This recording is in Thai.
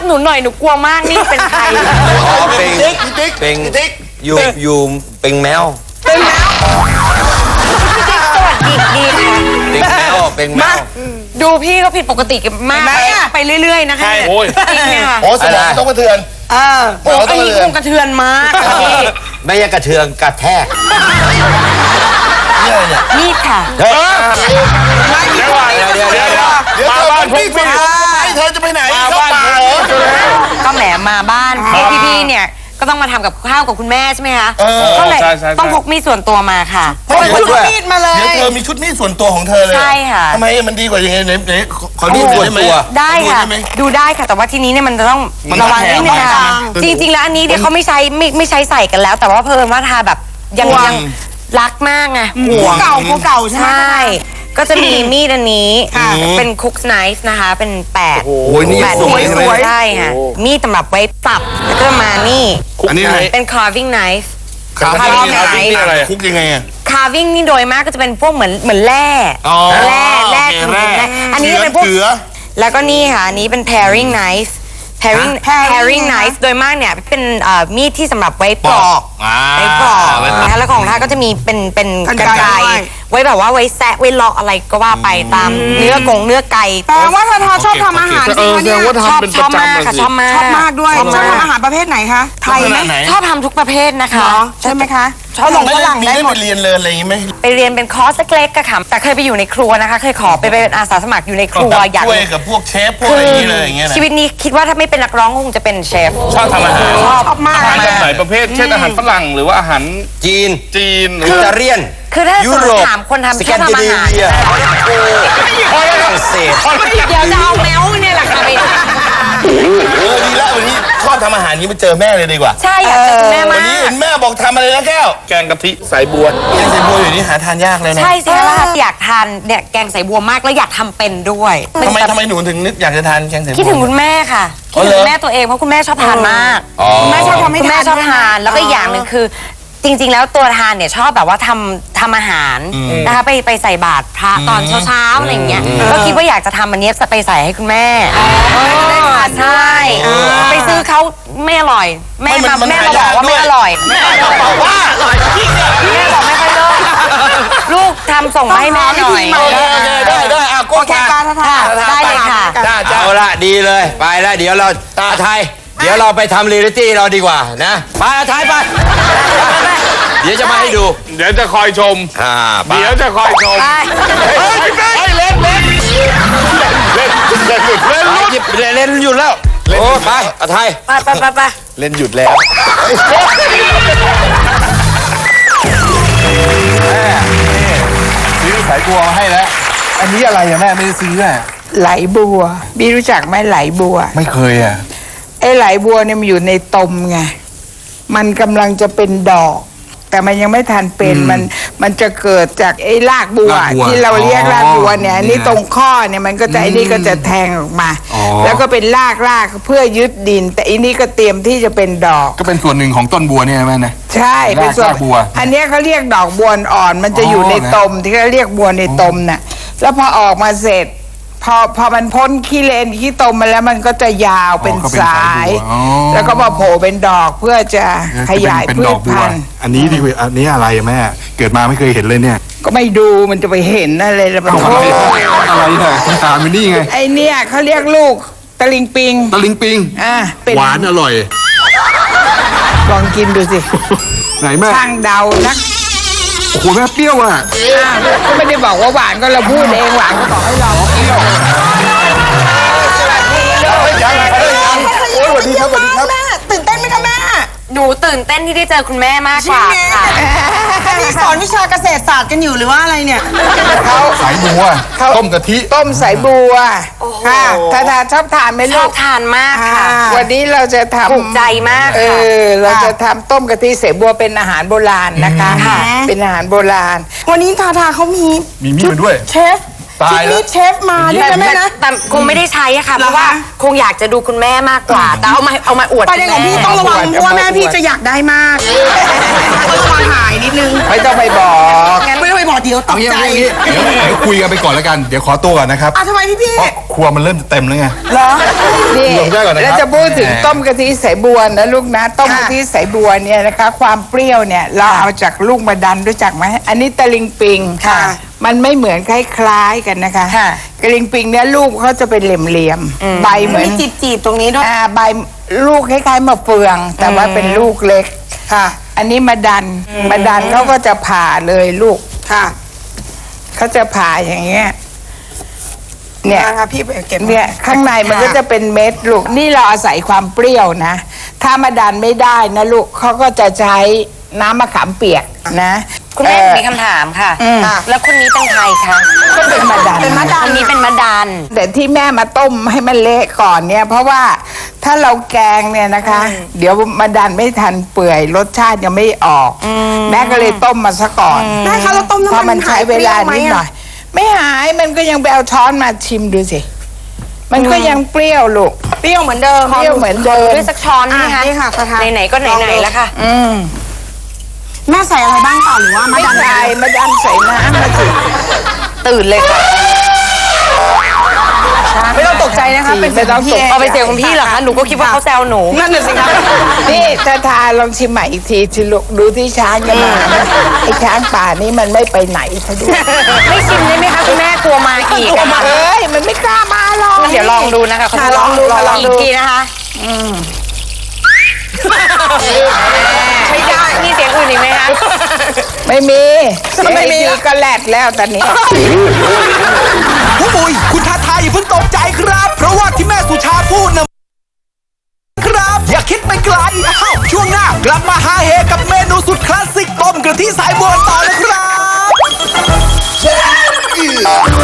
หนูหน่อยหนูกลัวมากนี่เป็นใครเป็นอยู่เป็นแมวดีค่ะเป็นแมวดูพี่เขาผิดปกติกันมากไปเรื่อยๆนะคะจริงเนี่ยค่ะโอ้สมองต้องกระเทือนโอ้อันนี้คงกระเทือนมากพี่ไม่ใช่กระเทือนกระแทกนี่ค่ะเดี๋ยวมาบ้านพี่เธอจะไปไหนเข้าป่าก็แหมมาบ้านพี่เนี่ยก็ต้องมาทำกับข้าวกับคุณแม่ใช่ไหมคะก็เลยต้องพกมีดส่วนตัวมาค่ะพกชุดมีดมาเลยเดี๋ยวเธอมีชุดมีดส่วนตัวของเธอเลยใช่ค่ะทำไมมันดีกว่ายังไงไหนขอดูส่วนตัวได้ค่ะดูได้ค่ะแต่ว่าทีนี้เนี่ยมันจะต้องระวังนิดนึงค่ะจริงๆแล้วอันนี้เนี่ยเขาไม่ใช้ใส่กันแล้วแต่ว่าเพิ่มว่าทาแบบยังรักมากไงหัวเก่าใช่ไหมก็จะมีมีดอันนี้เป็นคุกไนฟ์นะคะเป็น8 โอ้ยนี่สวยใช่ค่ะมีดสำหรับไว้สับแล้วก็มานี่อันนี้เป็น carving knife คุกยังไงอะ carving นี่โดยมากก็จะเป็นพวกเหมือนแร่อันนี้เป็นพวกแล้วก็นี่ค่ะอันนี้เป็น paring knife paring knife โดยมากเนี่ยเป็นมีดที่สำหรับไว้ปลอกนะคะแล้วของท่าก็จะมีเป็นกรรไกรไว้แบบว่าไว้แซะไว้เลาะอะไรก็ว่าไปตามเนื้อไก่แปลว่าทาชอบทำอาหารจริงๆเนี่ยชอบมากค่ะชอบมากด้วยชอบทำอาหารประเภทไหนคะไทยไหมชอบทำทุกประเภทนะคะใช่ไหมคะชอบฝรั่งได้หมดเรียนเลยอะไรอย่างนี้ไหมไปเรียนเป็นคอร์สเล็กๆก็ค่ะแต่เคยไปอยู่ในครัวนะคะเคยขอไปเป็นอาสาสมัครอยู่ในครัวอยากช่วยกับพวกเชฟพวกอะไรอย่างนี้เลยอย่างเงี้ยชีวิตนี้คิดว่าถ้าไม่เป็นนักร้องคงจะเป็นเชฟชอบทำอาหารชอบมากอาหารแบบไหนประเภทเช่นอาหารฝรั่งหรือว่าอาหารจีนหรืออิตาเลียนคือถ้าถามคนทำชอบทำอาหารฝรั่งเศสเดี๋ยวจะเอาแมวเนี่ยแหละค่ะไปดีแล้ววันนี้ชอบทำอาหารนี้มาเจอแม่เลยดีกว่าใช่อยากเจอแม่มากวันนี้เห็นแม่บอกทำอะไรนะแก้วแกงกะทิสายบัวแกงสายบัวอยู่นี่หาทานยากเลยนะใช่สิแล้วอยากทานเนี่ยแกงสายบัวมากแล้วอยากทำเป็นด้วยทำไมหนูถึงนึกอยากจะทานแกงสายบัวคิดถึงคุณแม่ค่ะคิดถึงแม่ตัวเองเพราะคุณแม่ชอบทานมากคุณแม่ชอบทำให้คุณแม่ชอบทานแล้วก็อย่างหนึ่งคือจริงๆแล้วตัวทานเนี่ยชอบแบบว่าทำอาหารนะคะไปใส่บาตรพระตอนเช้าๆอะไรอย่างเงี้ยก็คิดว่าอยากจะทำอันนี้ไปใส่ให้คุณแม่ใช่ไปซื้อเขาไม่อร่อยแม่มาบอกว่าไม่อร่อยแม่บอกว่าอร่อยแม่บอกไม่ค่อยเลิศลูกทำส่งมาให้แม่หน่อยได้โอเคป้าได้เลยค่ะเอาละดีเลยไปแล้วเดี๋ยวเราไทยเดี๋ยวเราไปทำเรียลลิตี้เราดีกว่านะไปไทยไปเดี๋ยวจะมาให้ดูเดี๋ยวจะคอยชมเดี๋ยวจะคอยชมเล่นหยุดแล้วโอ้ไปไทยไปเล่นหยุดแล้วซื้อสายบัวมาให้แล้วอันนี้อะไรอะแม่ไม่ได้ซื้ออะไหลบัวบี้รู้จักไหมไหลบัวไม่เคยอะไอ้ไหลบัวเนี่ยมันอยู่ในตมไงมันกำลังจะเป็นดอกแต่มันยังไม่ทันเป็นมันจะเกิดจากไอ้รากบัวที่เราเรียกรากบัวเนี่ยนี่ตรงข้อเนี่ยมันก็จะไอ้นี่ก็จะแทงออกมาแล้วก็เป็นรากเพื่อยึดดินแต่อันนี้ก็เตรียมที่จะเป็นดอกก็เป็นส่วนหนึ่งของต้นบัวเนี่ยแม่นะใช่เป็นส่วนบัวอันนี้เขาเรียกดอกบัวอ่อนมันจะอยู่ในตมที่เขาเรียกบัวในตมน่ะแล้วพอออกมาเสร็จพอมันพ้นขี้เลนขี้ตมมาแล้วมันก็จะยาวเป็นสายแล้วก็มาโผล่เป็นดอกเพื่อจะขยายพืชพันธุ์อันนี้ดีกว่าอันนี้อะไรแม่เกิดมาไม่เคยเห็นเลยเนี่ยก็ไม่ดูมันจะไปเห็นอะไรละมันอะไรเนี่ยคุณตามันนี่ไงไอเนี่ยเขาเรียกลูกตะลิงปิงหวานอร่อยลองกินดูสิไหนแม่ช่างเดานักโอ้โหแม่เปรี้ยวอ่ะก็ไม่ได้บอกว่าหวานก็เราพูดเองหวานก็บอกให้เราเปรี้ยวสวัสดีครับแม่ตื่นเต้นไหมคะแม่หนูตื่นเต้นที่ได้เจอคุณแม่มากกว่าค่ะนี่สอนวิชาเกษตรศาสตร์กันอยู่หรือว่าอะไรเนี่ยเขาสายบัวต้มกะทิต้มสายบัวค่ะทานชอบทานไหมลูกชอบทานมากค่ะวันนี้เราจะทำถูกใจมากเราจะทำต้มกะทิสายบัวเป็นอาหารโบราณนะคะเป็นอาหารโบราณวันนี้ทาเขามีมีมาด้วยเชฟมีเชฟมาด้วยนะแม่นะแต่คงไม่ได้ใช้อะค่ะเพราะว่าคงอยากจะดูคุณแม่มากกว่าแต่เอามาอวดประเด็นของพี่ต้องระวังเพราะว่าแม่พี่จะอยากได้มากต้องระวังหายนิดนึงไม่ต้องไปบอกงั้นไม่ต้องไปบอกเดี๋ยวเอาอย่างนี้เดี๋ยวคุยกันไปก่อนแล้วกันเดี๋ยวขอตัวก่อนนะครับทำไมพี่เพราะครัวมันเริ่มจะเต็มแล้วไงเหรอนี่ลงได้ก่อนนะครับแล้วจะพูดถึงต้มกะทิสายบัวนะลูกนะต้มกะทิสายบัวเนี่ยนะคะ ความเปรี้ยวเนี่ยเราเอาจากลูกมะดันรู้จักไหมอันนี้ตะลิงปิงค่ะมันไม่เหมือนคล้ายๆกันนะคะค่ะตะลิงปิงเนี่ยลูกเขาจะเป็นเหลี่ยมๆใบเหมือนมีจีบตรงนี้ด้วยใบลูกคล้ายๆมะเฟือง แต่ว่าเป็นลูกเล็กค่ะอันนี้มะดันเขาก็จะผ่าเลยลูกค่ะเขาจะผ่าอย่างเงี้ยเนี่ยนะคะพี่ไปเก็บเนี่ยข้างในมันก็จะเป็นเม็ดลูกนี่เราอาศัยความเปรี้ยวนะถ้ามาดันไม่ได้นะลูกเขาก็จะใช้น้ำมะขามเปียกนะคุณแม่มีคำถามค่ะ แล้วคนนี้เป็นใครคะก็เป็นมาดันเป็นมะดันคนนี้เป็นมะดันแต่ที่แม่มาต้มให้มันเละก่อนเนี่ย เพราะว่าถ้าเราแกงเนี่ยนะคะ เดี๋ยวมาดันไม่ทันเปื่อยรสชาติยังไม่ออก แม่ก็เลยต้มมาซะก่อนแม่คะเราต้มเพราะน้ำมัมัน นใช้เวลานิดหน่อย ไม่หายมันก็ยังไปเอาช้อนมาชิมดูสิ มันก็ยังเปรี้ยวลูกเปรี้ยวเหมือนเดิมเปรี้ยวเหมือนเดิมด้วยสักช้อนไหมคะนี่ค่ะประธานไหนๆก็ไหนๆแล้วค่ะแม่ใส่อะไรบ้างต่อหรือว่ามาไม่ดันใส่มาดันใส่น้ำมาสิตื่นเลยค่ะไม่ต้องตกใจนะคะเป็นไม่ต้องตกเอาไปเสียงของพี่เหรอคะ หนูก็คิดว่าเขาแซวหนูนั่นน่ะสิคะนี่ถ้าทาลองชิมใหม่อีกทีสิลูกดูที่ช้างจะมานะไอ้ช้างป่านี่มันไม่ไปไหนเขาดูไม่ชิมได้ไหมคะคุณแม่กลัวมาอีกอะค่ะเอ้ยมันไม่กล้ามาหรอกงั้นเดี๋ยวลองดูนะคะขอลองดูค่ะลองอีดูกทีนะคะ ไม่ได้มีเสียงอื่นอีกไหมคะไม่มีไม่มีเสียงก็แลดแล้วตอนนี้โอ้ยคุณท้าทายอย่าเพิ่งตกใจครับ เพราะว่าที่แม่สุชาพูดนะครับ อย่าคิดไปไกลอ้าวช่วงหน้ากลับมาหาเฮกับเมนูสุดคลาสสิกต้มกะทิสายบัวต่อนะครับ